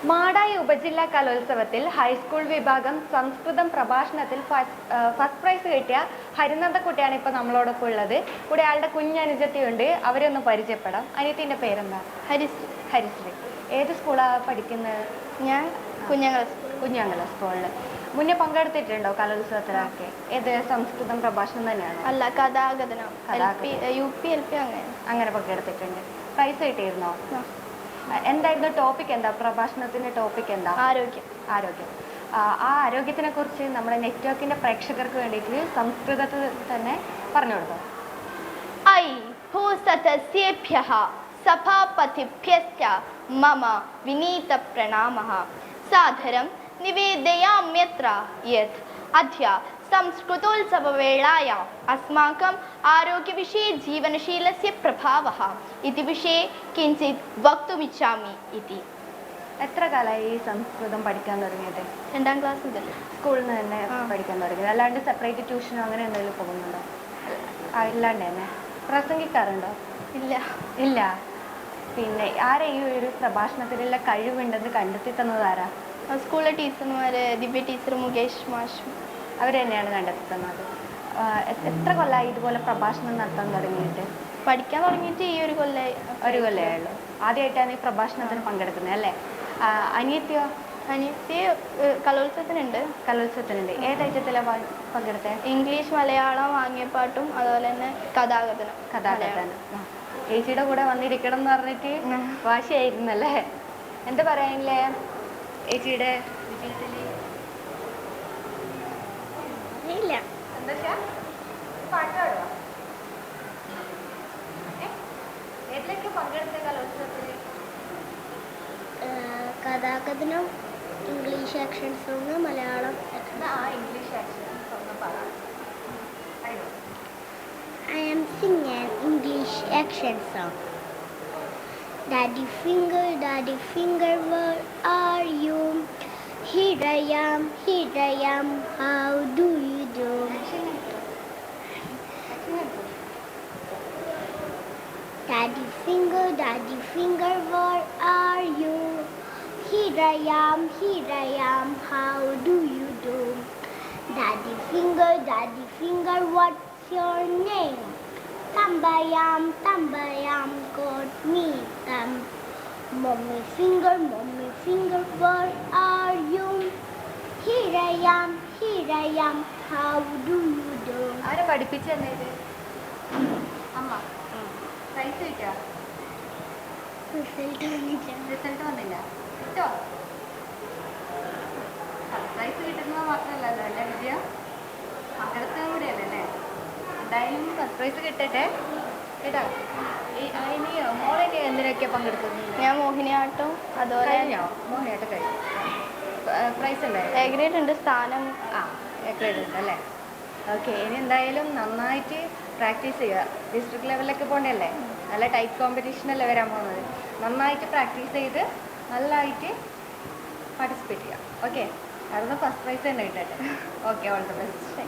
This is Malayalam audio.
മാടായി ഉപജില്ലാ കലോത്സവത്തിൽ ഹൈസ്കൂൾ വിഭാഗം സംസ്കൃതം പ്രഭാഷണത്തിൽ ഫസ്റ്റ് പ്രൈസ് കിട്ടിയ ഹരിനന്ദക്കുട്ടിയാണ് ഇപ്പോൾ നമ്മളോടൊപ്പം ഉള്ളത്. കൂടെ ആളുടെ കുഞ്ഞനുജത്തിയുണ്ട്. അവരൊന്ന് പരിചയപ്പെടാം. അനിയത്തിൻ്റെ പേരെന്താ? ഹരിശ്രീ. ഹരിശ്രീ. ഏത് സ്കൂളാണ് പഠിക്കുന്നത്? ഞാൻ കുഞ്ഞാങ്കല സ്കൂളിൽ. മുന്നേ പങ്കെടുത്തിട്ടുണ്ടോ കലോത്സവത്തിലൊക്കെ? ഏത് സംസ്കൃതം പ്രഭാഷണം തന്നെയാണോ? അല്ല, കഥാകഥനം. UP LP അങ്ങനെ പങ്കെടുത്തിട്ടുണ്ട്. പ്രൈസ് കിട്ടിയിരുന്നോ? എന്തായിരുന്നു ടോപ്പിക്? എന്താ പ്രഭാഷണത്തിന്റെ ടോപ്പിക് എന്താ? ആരോഗ്യം. ആ ആരോഗ്യത്തിനെ കുറിച്ച് നമ്മുടെ നെറ്റ്വർക്കിന്റെ പ്രേക്ഷകർക്ക് വേണ്ടിയിട്ട് സംസ്കൃതത്തിൽ തന്നെ പറഞ്ഞു കൊടുത്തോ. ഭൂസതസ്യേഭ്യഃ സഭാപതിഭ്യശ്ച മമ വിനീത പ്രണാമഃ. സാദരം നിവേദയാമ്യത്ര യത് അദ്യ സംസ്കൃതോത്സവവേളായാം അസ്മാकम् ആരോഗ്യവിഷये ജീവനശീലस्य പ്രഭാവः इति വിഷये കിഞ്ചിത് വക്തുമിച്ഛാമി ഇതി. എത്ര കാലമായി ഈ സംസ്കൃതം പഠിക്കാൻ തുടങ്ങിയത്? 2ാം ക്ലാസ് മുതൽ. സ്കൂളിൽ നിന്ന് തന്നെ പഠിക്കാൻ തുടങ്ങിയത്? അല്ലാണ്ട് സെപ്പറേറ്റ് ട്യൂഷനോ അങ്ങനെ എന്തെങ്കിലും പോകുന്നുണ്ടോ? ഇല്ലാണ്ട് തന്നെ. പ്രസംഗിക്കാറുണ്ടോ? ഇല്ല. പിന്നെ ആരാ ഈ ഒരു പ്രഭാഷണത്തിലുള്ള കഴിവുണ്ടെന്ന് കണ്ടെത്തി തന്നത് ആരാ? സ്കൂളിലെ ടീച്ചർമാര്, ദിവ്യ ടീച്ചർ, മുകേഷ് മാഷ്, അവർ തന്നെയാണ് കണ്ടെത്തി തന്നത്. എത്ര കൊല്ലമായി ഇതുപോലെ പ്രഭാഷണം നടത്താൻ തുടങ്ങിയിട്ട്? പഠിക്കാൻ തുടങ്ങിയിട്ട് ഈ ഒരു കൊല്ലമായുള്ളൂ. ആദ്യമായിട്ടാണ് ഈ പ്രഭാഷണത്തിന് പങ്കെടുക്കുന്നത് അല്ലേ? അനിയത്തിയോ? അനിയത്തി കലോത്സവത്തിനുണ്ട്. ഏത് ഐറ്റത്തിലാണ് പങ്കെടുത്തത്? ഇംഗ്ലീഷ്, മലയാളം, വാങ്ങിയപ്പാട്ടും അതുപോലെ തന്നെ കഥാകഥനം. ചേച്ചിയുടെ കൂടെ വന്നിരിക്കണം എന്ന് പറഞ്ഞിട്ട് വാശിയായിരുന്നല്ലേ? എന്താ പറയാനില്ലേ ചേച്ചിയുടെ വിജയത്തില്? ഏതിലൊക്കെ പങ്കെടുത്ത കലോത്സവത്തില്? കഥാകഥനം, English action song, Malayalam. English action song പറ. I am singing an English action song. Daddy finger, where are you? Here I am, how do you do? Daddy finger, where are you? Here I am, how do you do? Daddy finger, what's your name? Tambayam, got me thumb. Mommy finger, where are you? Here I am, how do you do? ആരെ പഠിപ്പിച്ചു തന്നത്? അമ്മ. പ്രൈസ് കിട്ടിയോ? റിസൾട്ട് വന്നില്ല. കിട്ടോ? പ്രൈസ് കിട്ടുന്നത് മാത്രമല്ലല്ലോ അല്ലേ വിജയം? പങ്കെടുത്തതും കൂടെയല്ലേ അല്ലേ? എന്തായാലും സർപ്രൈസ് കിട്ടട്ടെ കേട്ടോ. ഇനി മോളിനി എന്തിനൊക്കെ പങ്കെടുക്കുന്നുണ്ട്? ഞാൻ മോഹിനിയാട്ടം. അതുപോലെ മോഹിനിയാട്ടം കഴിഞ്ഞു. പ്രൈസ് ഉണ്ടായി? എ ഗ്രേഡ് ഉണ്ട്. സ്ഥാനം എ ഗ്രേഡ് ഉണ്ട് അല്ലേ? ഓക്കെ. ഇനി എന്തായാലും നന്നായിട്ട് പ്രാക്ടീസ് ചെയ്യുക. ഡിസ്ട്രിക്ട് ലെവലിലൊക്കെ പോകണ്ടല്ലേ? നല്ല ടൈപ്പ് കോമ്പറ്റീഷനല്ലേ വരാൻ പോകുന്നത്. നന്നായിട്ട് പ്രാക്ടീസ് ചെയ്ത് നല്ലതായിട്ട് പാർട്ടിസിപ്പേറ്റ് ചെയ്യുക. ഓക്കെ. അതൊന്ന് ഫസ്റ്റ് പ്രൈസ് തന്നെ കിട്ടട്ടെ. Okay, all the best.